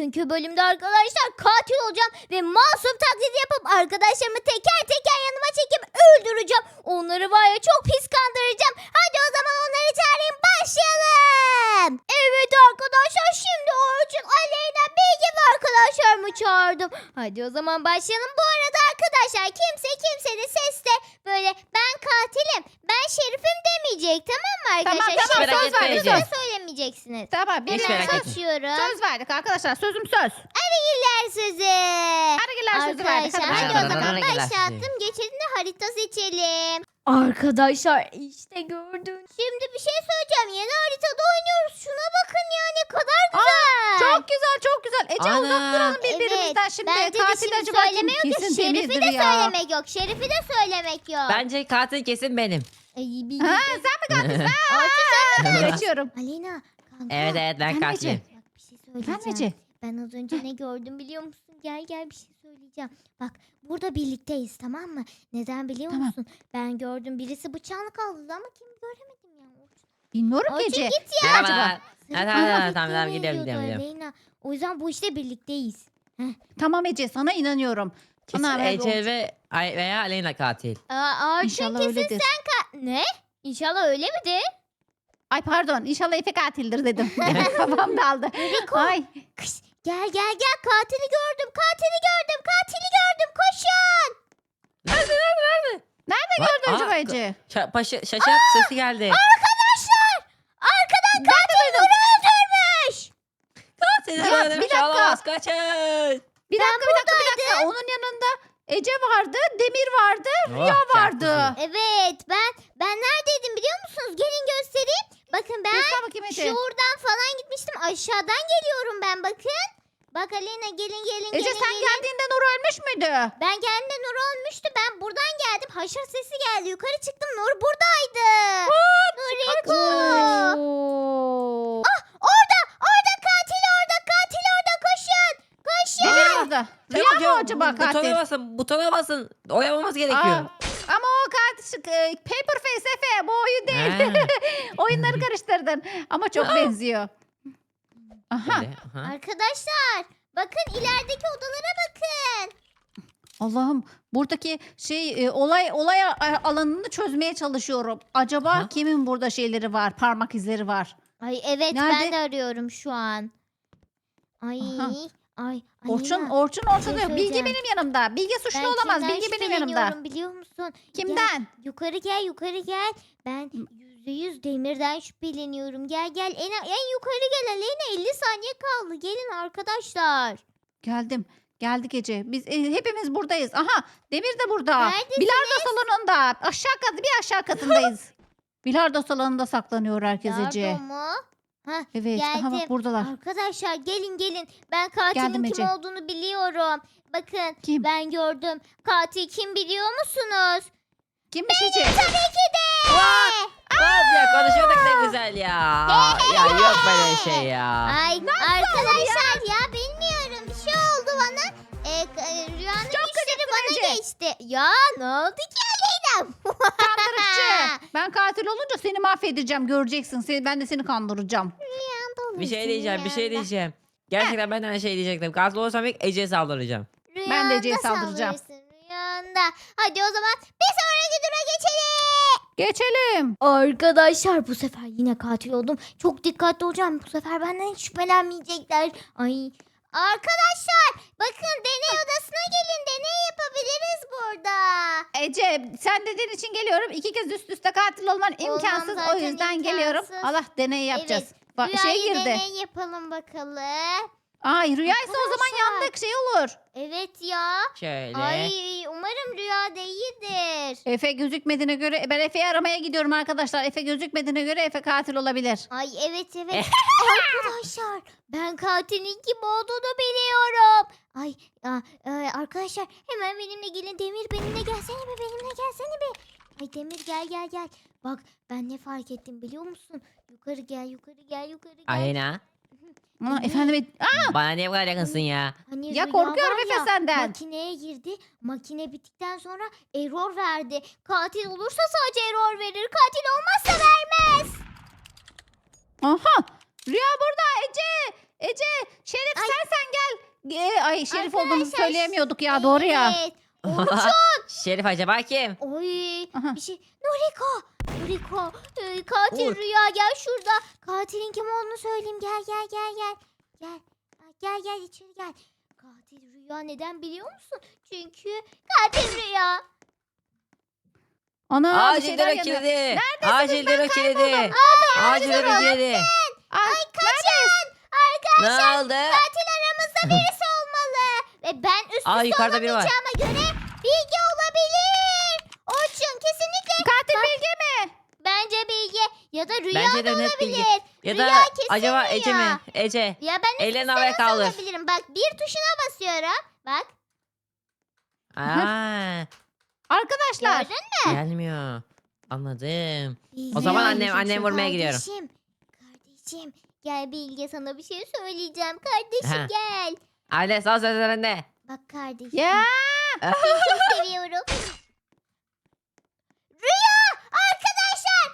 Bugünkü bölümde arkadaşlar katil olacağım ve masum taklidi yapıp arkadaşlarımı teker teker yanıma çekip öldüreceğim. Onları var ya çok pis kandıracağım. Hadi o zaman onları çağırayım, başlayalım. Evet arkadaşlar, şimdi Orçun, Aleyna, Bilge ve arkadaşlarımı çağırdım. Hadi o zaman başlayalım. Bu arada arkadaşlar kimse kimsenin sesle böyle ben katilim, ben şerifim demeyecek, tamam mı arkadaşlar? Tamam, Şimdi söz söz verdik. verdik. Söylemeyeceksiniz. Tamam, Hemen merak etme. açıyorum. Söz verdik arkadaşlar. Sözüm söz. Arıgiller sözü. Arıgiller sözü verdik. Arkadaşlar Hadi hadi o bakalım. zaman Arıgiller başlattım. Geçelim de harita seçelim. Arkadaşlar işte gördün. Şimdi bir şey söyleyeceğim. Yeni haritada oynuyoruz. Şuna bakın ya, ne kadar güzel. Çok güzel, çok güzel. Ece Ana. uzak duralım birbirimizden şimdi. Bence de Katil şimdi acaba kim? söylemek yok. Kesin Şerifi Demir'dir de ya. söylemek yok. Şerifi de söylemek yok. Bence katil kesin benim. Ay, bir Ha, sen mi katilsin? Geçiyorum. Aleyna kanka. Evet ben Sen katilim. Ece. Bak bir şey söyleyeceğim. Sen Ece. Ben az önce ne gördüm biliyor musun? Gel bir şey söyleyeceğim. Bak burada birlikteyiz, tamam mı? Neden biliyor Tamam. musun? Ben gördüm, birisi bıçağını kaldırdı ama kim göremedim ya. Bilmiyorum Orçun Ece. git ya. Merhabalar. Sırf Ha, bana tamam, fikir tamam, gidelim, veriyordu gidelim. Aleyna. O yüzden bu işte birlikteyiz. Tamam Ece, sana inanıyorum. Kesin Ana, ben Ece veya Aleyna katil. Orçun İnşallah kesin öyledir. ne? İnşallah öyle midir? Ay pardon, inşallah Efe katildir dedim. Kafam daldı. Riko. Ay. Kış, gel katili gördüm, koşun. Nerede gördün acaba Ece? Şaşak sesi geldi. Arkadaşlar, arkadan katil Nur'u öldürmüş. Katil Ya, bir öldürmüş dakika. olamaz, kaçın. Bir dakika. Onun yanında Ece vardı, Demir vardı, Rüya Oh, vardı. Evet, ben neredeydim biliyor musunuz? Gelin göstereyim. Bakın ben Göster bakayım Ece. şuradan falan gitmiştim. Aşağıdan geliyorum ben, bakın. Bak Aleyna, gelin Ece sen geldiğinde Nur ölmüş müydü? Ben geldiğimde Nur olmuştu. Ben buradan geldim. Haşır sesi geldi. Yukarı çıktım. Nur buradaydı. Nuriko. Oo. Orada katil orada. Koşun. Demir orada. Rüya mı acaba katil? Butona basın. Oyamamız gerekiyor. Ama o katil Paper Face Efe, bu oyun değil. Ha. Oyunları karıştırdın. Ama çok benziyor. Aha. Öyle, aha. Arkadaşlar, bakın ilerideki odalara bakın. Allah'ım, buradaki olay alanını çözmeye çalışıyorum. Acaba Aha. kimin burada şeyleri var, parmak izleri var? Ay evet, Nerede? ben de arıyorum şu an. Ay. Aha. Ay. Orçun Aleyna, ortada şey yok. Bilge söyleyeceğim. benim yanımda. Bilge suçlu ben olamaz. kimden Bilge benim yanımda. şüpheleniyorum biliyor musun? Kimden? Yukarı gel. Ben %100 Demir'den şüpheleniyorum. Gel. En yukarı gel Aleyna. 50 saniye kaldı. Gelin arkadaşlar. Geldim. Geldik Ece. Biz hepimiz buradayız. Aha, Demir de burada. Neredesiniz? Bilardo salonunda. Bir aşağı katındayız. Bilardo salonunda saklanıyor herkes Ece. Yardım mu? Hah, Evet. Aha geldim. bak buradalar. Arkadaşlar gelin. Ben katilin Geldim kim Ece. olduğunu biliyorum. Bakın Kim? ben gördüm. Katil kim biliyor musunuz? Kimmiş Ece? Tabii ki de. Abi ya konuşuyorduk ne güzel ya. Ya yok böyle şey ya. Ay arkadaşlar ya bilmiyorum. Bir şey oldu bana. Rüyanın işleri bana Ece. geçti. Ya ne oldu ki Aleyna? Kandırıcı. Ben katil olunca seni mahvedeceğim. Göreceksin. Ben de seni kandıracağım. Bir şey diyeceğim. Gerçekten ben de aynı şey diyecektim. Katil olursam ilk Ece'ye saldıracağım. Ben de Ece'ye Rüyanda saldıracağım. saldırırsın, rüyanda. Hadi o zaman bir sonraki dura geçelim. Geçelim. Arkadaşlar bu sefer yine katil oldum. Çok dikkatli olacağım. Bu sefer benden hiç şüphelenmeyecekler. Ay. Arkadaşlar bakın, deney odasına gelin. Deney yapabiliriz burada. Ece sen dediğin için geliyorum. 2 kez üst üste katil olman imkansız. O zaten yüzden geliyorum. imkansız. Allah deney yapacağız. Evet. Şey Rüyayı girdi. deney yapalım bakalım. Ay rüyaysa o zaman Arkadaşlar. yandık şey olur. Evet ya. Şöyle. Ay umarım rüya değildir. Efe gözükmediğine göre ben Efe'yi aramaya gidiyorum arkadaşlar. Efe gözükmediğine göre Efe katil olabilir. Ay evet. Arkadaşlar ben katilin kim olduğunu biliyorum. Ay arkadaşlar hemen benimle gelin. Demir benimle gelsene be. Ay Demir gel. Bak ben ne fark ettim biliyor musun? Yukarı gel. Aleyna. Efendim Bana niye bu kadar yakınsın ya? Hani ya rüya korkuyorum var Efe ya, senden. Makineye girdi. Makine bittikten sonra error verdi. Katil olursa sadece error verir. Katil olmazsa vermez. Aha. Rüya burada Ece. Şerif Ay. sen gel. Ay Şerif olduğumuzu söyleyemiyorduk ya, doğru ya. Evet. Şerif acaba kim? Oy Aha. bir şey. Noriko. Katil Uğur. Rüya gel şurada. Katilin kim olduğunu söyleyeyim. Gel. Gel. Gel içeri gel. Katil Rüya neden biliyor musun? Çünkü katil Rüya. Ana bir Acil şeyler dero yanıyor. kilidi. Acil dero kilidi. Acil dero kilidi. Ay Kaçın. Ne oldu? Katil aramızda birisi olmalı. Ve ben üst Aa, üste yukarıda biri var. olamayacağıma göre Bilge olabilir. Orçun kesinlikle. Katil Bak, Bilge mi? Bence Bilge ya da Rüya Bence da de net Bilge. olabilir. Ya Rüya da kesin acaba Rüya. Ece mi? Ece. Ya ben üst Ellerini üste havaya nasıl kaldır. olabilirim? Bak bir tuşuna basıyorum. Bak Aa, Arkadaşlar. gördün mü? gelmiyor. Anladım. Bilge. O zaman Bilge annem vurmaya gidiyorum. Kardeşim gel Bilge sana bir şey söyleyeceğim. Kardeşim Ha. gel. Anne son sözlerinde. Bak kardeşim. Ya. Seni çok seviyorum. Rüya! Arkadaşlar!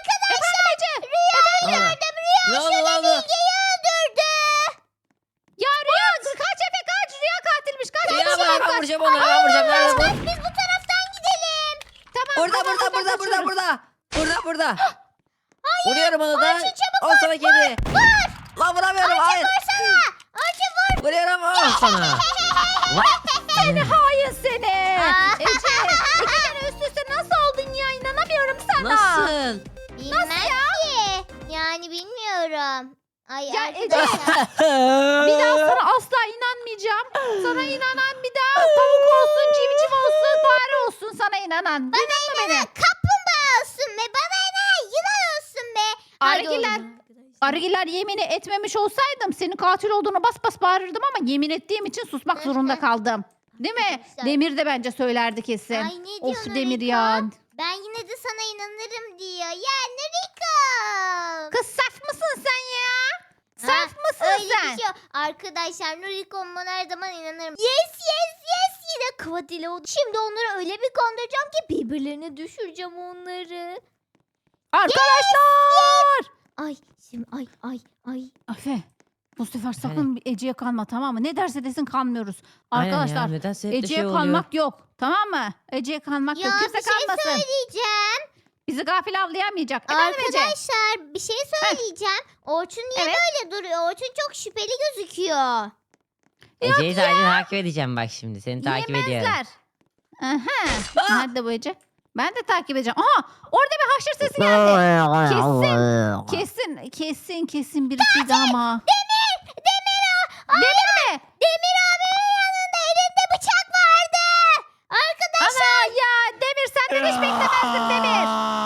Rüya gördüm. Ne oldu ne oldu? Bilge'yi öldürdü. Ya Rüya kaç Efe kaç. Rüya katilmiş. Kaç. Ya kaç, ben kaç. vuracağım onu. Ben vuracağım. Nerede bu? Biz bu taraftan gidelim. Tamam. Burada tamam, burada burada kaçıyoruz. burada. Vuruyorum onu da. çabuk Al sana kedi. Lan vuramıyorum. Hayır. Orçun vur. Vuruyorum. Al sana. Seni hain seni. Aa. Ece 2 kere üst üste nasıl oldun ya, inanamıyorum sana. Nasıl? Bilmem ki. Yani bilmiyorum. Ay Ya arkadaşlar. Bir daha sana asla inanmayacağım. Sana inanan bir daha tavuk olsun, civciv olsun, fare olsun sana inanan. Duydun mu beni? Kaplumbağa olsun be. Bana ne? Yılan olsun be. Hadi Arıgiler. oğlum. Arıgiler yemini etmemiş olsaydım senin katil olduğunu bas bas bağırırdım ama yemin ettiğim için susmak zorunda kaldım. Değil mi? Arkadaşlar. Demir de bence söylerdi kesin. Ay ne Of diyorsun şu Demir Riko? ya. Ben yine de sana inanırım diyor. Ya Riko. Kız saf mısın sen ya? Saf mısın Öyle sen? bir şey yok. Arkadaşlar Nuriko'm bana her zaman inanırım. Yes. Yine katil oldu. Şimdi onları öyle bir kandıracağım ki birbirlerine düşüreceğim onları. Arkadaşlar. Ay şimdi ay. Afe bu sefer sakın Ece'ye kanma, tamam mı? Ne derse desin kanmıyoruz. Arkadaşlar Aynen ya, neden sürekli Ece'ye şey oluyor? kanmak yok, tamam mı? Ece'ye kanmak Ya yok. bir Kimse şey kanmasın. söyleyeceğim. Bizi gafil avlayamayacak. Efendim Ece? Arkadaşlar bir şey söyleyeceğim. Orçun niye Evet. böyle duruyor? Orçun çok şüpheli gözüküyor. Ece'yi sadece takip edeceğim bak şimdi. Seni takip ediyorum. Yemezler. Aha. Nerede bu Ece? Ben de takip edeceğim. Aha! Orada bir haşır sesi geldi. Kesin birisiydi ama. Demir mi? Demir abinin yanında elinde bıçak vardı. Arkadaşlar Ana ya Demir, senden hiç beklemezdim Demir.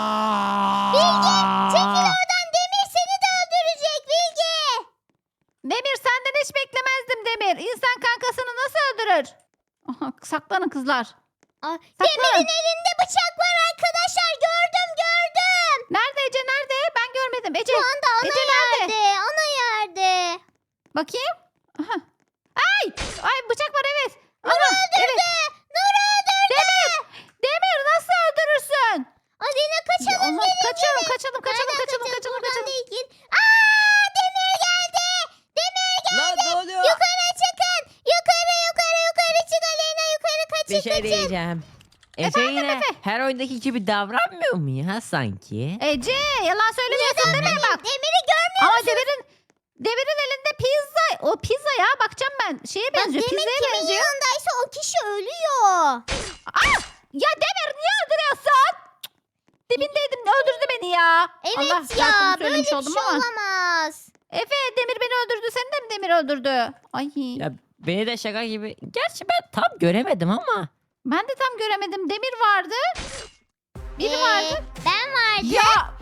Bilge çekil oradan, Demir seni de öldürecek Bilge. Demir senden hiç beklemezdim Demir. İnsan kankasını nasıl öldürür? Aha, saklanın kızlar. Aa, Saklan. Demir'in elinde bıçak var arkadaşlar, gördüm. Nerede Ece, nerede? Ben görmedim. Ece Şu anda ana Ece nerede? yerde, ana yerde. bakayım. Aha. Ay bıçak var, evet. Aha, evet. Nur öldürdü. Demir nasıl öldürürsün? Alina kaçalım. Allah, kaçalım. Buradan değil. Aa, Demir geldi. Lan ne oluyor? Yukarı çıkın. Yukarı çık Aleyna, yukarı kaçın. Bir şey diyeceğim. Ece Efendim, yine Efe? her oyundaki gibi davranmıyor mu ya sanki? Ece yalan söylemiyorsun değil mi? Bak. Demir'i görmüyor Ama Demir'in elinde pizza. O pizza ya, bakacağım ben. Şeye benziyor. Demir Pizzaya kimin benziyor. yanındaysa o kişi ölüyor. Ya Demir niye öldürüyorsun? Dibindeydim, öldürdü beni ya. Evet Allah, ya, şarkımı böyle söylemiş bir oldum şey ama. olamaz. Efe Demir beni öldürdü. Seni de mi Demir öldürdü? Ay. Ya beni de şaka gibi. Gerçi ben tam göremedim ama. Ben de tam göremedim. Demir vardı. Biri vardı. Ben vardım. Ya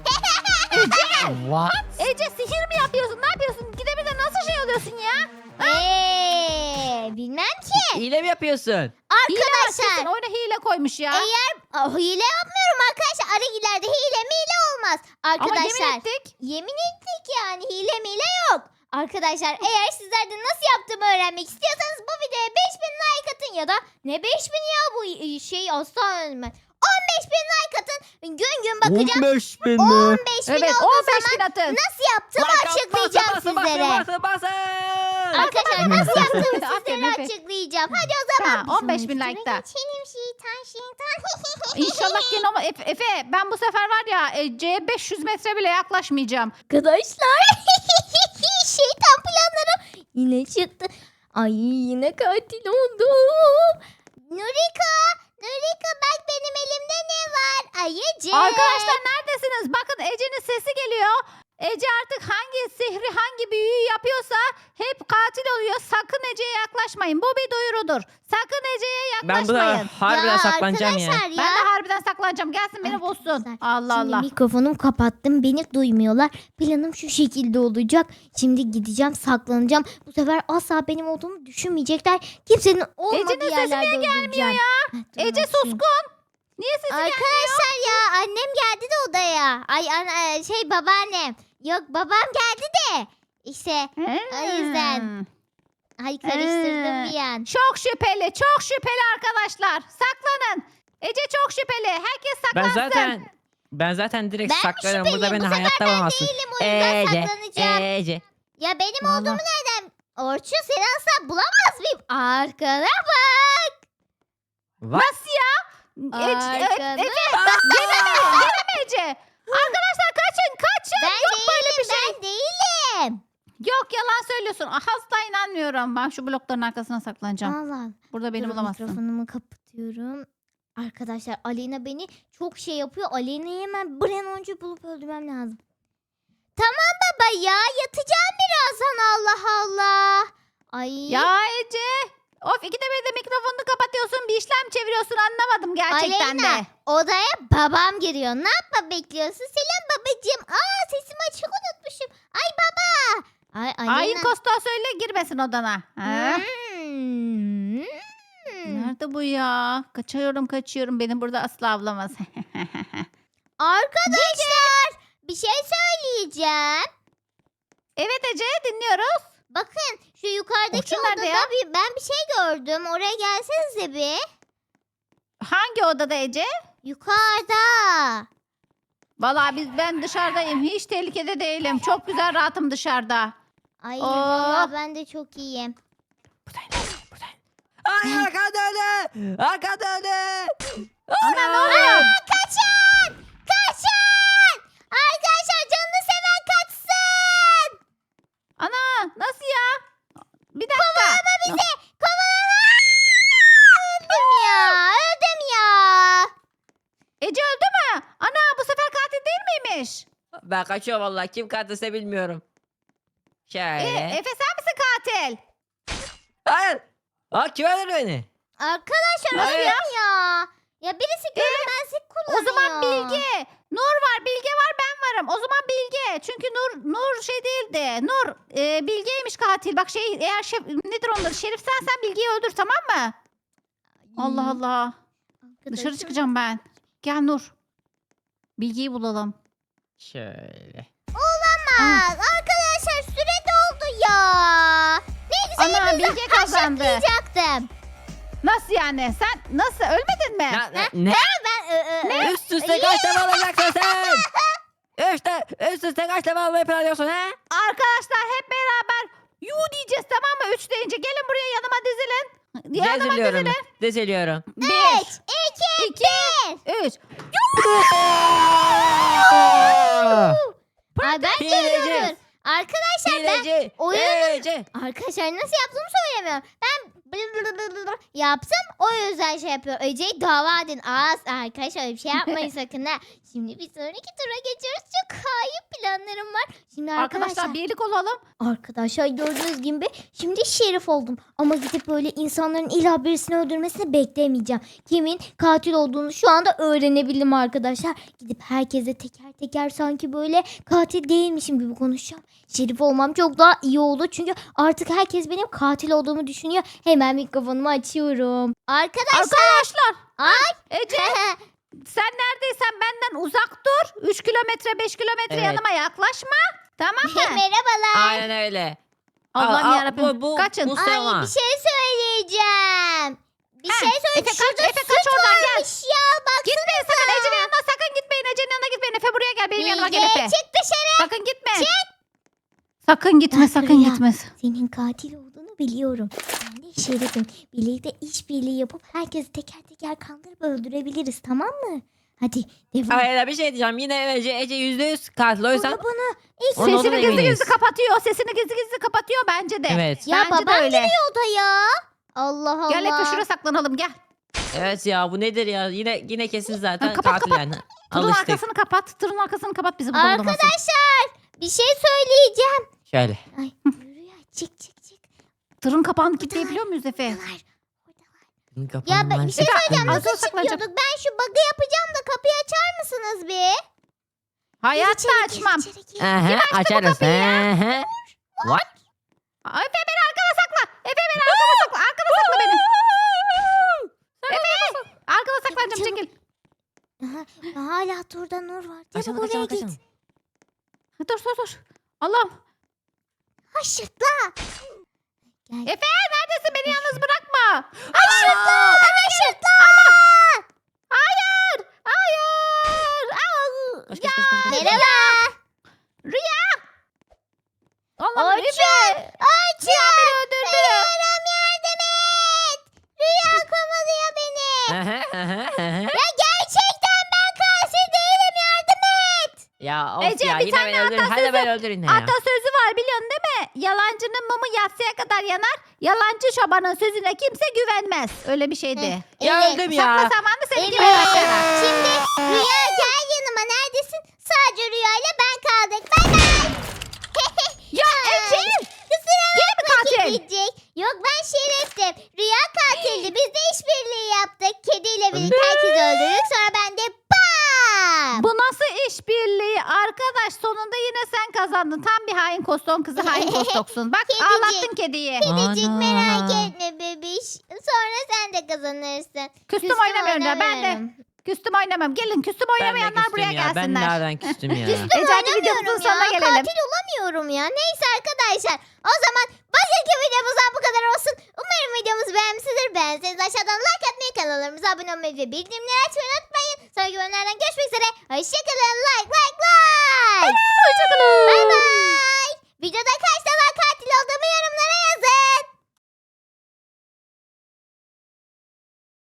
What? Ece sihir mi yapıyorsun? Ne yapıyorsun? Gidemeden nasıl şey oluyorsun ya? Bilmem ki. Hile mi yapıyorsun? Hile var Arkadaşlar kesin. Oyuna hile koymuş ya. hile yapmıyorum arkadaşlar. Aragilerde hile mile olmaz. Ama Arkadaşlar yemin ettik. yemin ettik yani, hile mile yok. Arkadaşlar eğer sizler de nasıl yaptığımı öğrenmek istiyorsanız bu videoya 5000 like atın ya da ne 5000 ya bu şey asla ölmez. 15.000 like atın. Gün bakacağım. 15.000 15.000 Evet olduğu 15 zaman bin atın. nasıl yaptığımı açıklayacağım sizlere. Basın. Arkadaşlar nasıl yaptığımı Aferin sizlere Efe. açıklayacağım. Hadi o zaman. Tamam, 15.000 Bir sonraki like'ta. tura Geçelim şeytan. İnşallah gene ama Efe ben bu sefer var ya Ece'ye 500 metre bile yaklaşmayacağım. Arkadaşlar şeytan planlarım yine çıktı. Ay yine katil oldum. Nurika bak benim elimde ne var? Ayıcık. Arkadaşlar neredesiniz? Bakın Ece'nin sesi geliyor. Ece artık hangi sihri hangi büyüyü yapıyorsa hep katil oluyor. Sakın Ece'ye yaklaşmayın. Bu bir duyurudur. Sakın Ece'ye Ben bu da yaklaşmayın. harbiden saklanacağım ya. arkadaşlar Ben de harbiden saklanacağım. Gelsin beni bulsun. Arkadaşlar, Allah Şimdi Allah. mikrofonumu kapattım. Beni duymuyorlar. Planım şu şekilde olacak. Şimdi gideceğim saklanacağım. Bu sefer asla benim olduğumu düşünmeyecekler. Kimsenin olmadığı Ece'nin sesi yerlerde niye gelmiyor ya? Ece suskun. Niye sesi gelmiyor? Arkadaşlar ya annem geldi de odaya. Babaannem. Yok babam geldi de. İşte o yüzden. Ay karıştırdım bir an. Çok şüpheli. Çok şüpheli arkadaşlar. Saklanın. Ece çok şüpheli. Herkes saklansın. Ben zaten direkt Ben mi saklarım. Burada şüpheliyim? beni Bu sefer hayatta ben bulamazsın. değilim, o yüzden saklanacağım. Ece. Ya benim Vallahi. olduğumu nereden? Orçun seni asla bulamaz mıyım? Arkana bak. Nasıl ya? Arkana Gene mi Ece? Arkadaşlar kaçın. Ben Yok böyle bir değilim, şey. ben değilim. Yok yalan söylüyorsun. Asla inanmıyorum. Ben şu blokların arkasına saklanacağım. Allah. Burada beni Dur, bulamazsın. Mikrofonumu kapatıyorum. Arkadaşlar Aleyna beni çok şey yapıyor. Aleyna'yı hemen bir an önce bulup öldürmem lazım. Tamam baba ya yatacağım birazdan Allah Allah. Ay. Ya Ece. Of ikide bir de mikrofonunu kapatıyorsun. Bir işlem çeviriyorsun. Anlamadım gerçekten Aleyna de. odaya babam giriyor. Ne yapma bekliyorsun? Selam babacığım. Aa sesimi açık unutmuşum. Ay baba. Ay Hain Aleyna. Kosta söyle girmesin odana. Ha? Hmm. Nerede bu ya? Kaçıyorum. Beni burada asla avlamaz. Arkadaşlar bir şey söyleyeceğim. Evet Ece dinliyoruz. Bakın şu yukarıdaki Orçun odada nerede ya? ben bir şey gördüm. Oraya gelsenize bir. Hangi odada Ece? Yukarıda. Vallahi ben dışarıdayım. Hiç tehlikede değilim. Çok güzel rahatım dışarıda. Ay Oh. vallahi ben de çok iyiyim. Ay arka döne. Arka döne. Ana ne oluyor? Kaçın! Kaçın! Arkadaşlar canını seven kaçsın! Ana nasıl ya? Bir dakika. Öldüm ya. Ece öldü mü? Ana bu sefer katil değil miymiş? Ben kaçıyorum vallahi. Kim katilse bilmiyorum. Şöyle. Efe sen misin katil? Hayır. Aa kim öldürdü beni? Arkadaşlar Hayır. öldüm ya. Ya birisi görünmezlik O kullanıyor. zaman Bilge. Nur var, Bilge var, ben varım. O zaman Bilge. Çünkü Nur şey değildi. Nur Bilge'ymiş katil. Bak eğer nedir onları? Şerif sen Bilge'yi öldür tamam mı? Allah Allah. Dışarı Arkadaşım. çıkacağım ben. Gel Nur. Bilge'yi bulalım. Şöyle. Olamaz. Arkadaşlar süre doldu ya. Ne güzel Ana Bilge kazandı. haşlayacaktım. Nasıl yani? Sen nasıl ölmedin mi? Ne? Ben Üst üste kaç defa alacaksın sen? Üst üste kaç defa almayı planlıyorsun he? Arkadaşlar hep beraber yu diyeceğiz tamam mı? 3 deyince gelin buraya yanıma dizilin. Yanıma Diziliyorum. dizilin. Diziliyorum. 1, 2, 3. Ay ben Hileci. görüyorum. Arkadaşlar ben Hileci. oyunun- Hileci. arkadaşlar nasıl yaptığımı söylemiyorum. Ben yaptım o yüzden şey yapıyor. Ece'yi dava edin. Arkadaşlar öyle bir şey yapmayın sakın ha. Şimdi bir sonraki tura geçiyoruz. Çok kayıp planlarım var. Şimdi Arkadaşlar birlik olalım. Arkadaşlar gördüğünüz gibi şimdi şerif oldum. Ama gidip böyle insanların illa birisini öldürmesini beklemeyeceğim. Kimin katil olduğunu şu anda öğrenebildim arkadaşlar. Gidip herkese teker teker sanki böyle katil değilmişim gibi konuşacağım. Şerif olmam çok daha iyi oldu. Çünkü artık herkes benim katil olduğumu düşünüyor. Hemen mikrofonumu açıyorum. Arkadaşlar. Ay. Ece sen neredeysen benden uzak dur. 3 kilometre 5 kilometre Evet. yanıma yaklaşma. Tamam mı? Merhabalar. Aynen öyle. Allah'ım Aa, yarabbim. bu- Kaçın. bu- Ay Sema. bir şey söyleyeceğim. Bir Heh, şey söyleyeceğim. Efe kaç, Şurada Efe kaç süt oradan gel. varmış ya bak. Gitmeyin sakın Ece'nin yanına sakın gitmeyin. Ece'nin yanına gitmeyin. Efe buraya gel benim yanıma gel Bilge Efe. çık dışarı. Sakın gitme. Sakın gitme, Bak sakın Rüya. gitme. Senin katil olduğunu biliyorum. Ben de Şerif'im. Birlikte işbirliği yapıp herkesi teker teker kandırıp öldürebiliriz, tamam mı? Hadi devam. Hayır bir şey diyeceğim. Yine Ece %100 katil. O yüzden Bunu ilk Ondan Sesini sonra gizli eminiz. gizli kapatıyor. Sesini gizli gizli kapatıyor bence de. Evet. Ya Bence de babam öyle. giriyor odaya. Allah Allah. Gel Efe şuraya saklanalım gel. Evet ya bu nedir ya? Yine kesin zaten Kapat, katil kapat. yani. Tırın Alıştık. arkasını kapat. Tırın arkasını kapat bizi burada bulamazsın. Arkadaşlar bir şey söyleyeceğim. Şöyle. Ay Rüya çık. Tırın kapağını kilitleyebiliyor muyuz Efe? Oradalar. Ya ben bir şey Efe, söyleyeceğim. ağzına Nasıl saklanacak. çıkıyorduk? Ben şu bug'ı yapacağım da kapıyı açar mısınız bir? Hayatta Gir açmam. içeri, gir. Aha, açarız. Aha. What? Efe beni arkana sakla. Efe beni arkana sakla. Arkana sakla beni. Efe arkana saklanacağım Çabuk. çekil. Aha, hala turda Nur var. Çabuk Kaçalım oraya kaçalım git. kaçalım. Dur. Allah'ım. Haşırtla. Gel. Efe neredesin? Beni yalnız bırakma. Haşırtla. Haşırtla. Hayır. Au. Koş, koş, koş, koş, koş. Merhaba. Rüya. Allah'ım Orçun. Efe. Orçun. Beni öldürdü. Bayılırım, yardım et. Rüya kovalıyor beni. Ya gerçekten ben katil değilim, yardım et. Ya of Ece, ya bir yine tane beni öldürün. Hadi atasözü- beni öldürün ya. Atasözü var biliyorsun değil mi? Yalancının mumu yatsıya kadar yanar. Yalancı çobanın sözüne kimse güvenmez. Öyle bir şeydi. Ya Evet, öldüm Sakla ya. zamanı seni Evet. gibi başlar. Şimdi Rüya gel yanıma, neredesin? Sadece Rüya ile ben kaldık. Bay bay. Ya Ece! Kusura Yine mi bakma katil? gidecek. Yok ben Şerif'tim. Rüya katildi. Biz de işbirliği yaptık. Kediyle birlikte herkesi öldürdük. Sonra ben de bam. Bu nasıl işbirliği? Arkadaş sonunda yine sen kazandın. Tam bir hain koston kızı hain kostoksun. Bak Kedicik. ağlattın kediyi. Kedicik Ana. merak etme bebiş. Sonra sen de kazanırsın. Küstüm oynamıyorum ya ben de. Küstüm oynamam. Gelin küstüm Ben de oynamayanlar küstüm buraya ya. Ben gelsinler. nereden küstüm ya? Küstüm Ece, hadi videomuzun oynamıyorum sonuna ya. gelelim. Katil olamıyorum ya. Neyse arkadaşlar. O zaman bugünkü videomuzdan bu kadar olsun. Umarım videomuzu beğenmişsinizdir. Beğenseniz aşağıdan like atmayı, kanallarımıza abone olmayı ve bildirimleri açmayı unutmayın. Sonraki bölümlerden görüşmek üzere. Hoşçakalın. Like. Hoşçakalın. Bay bay. Videoda kaç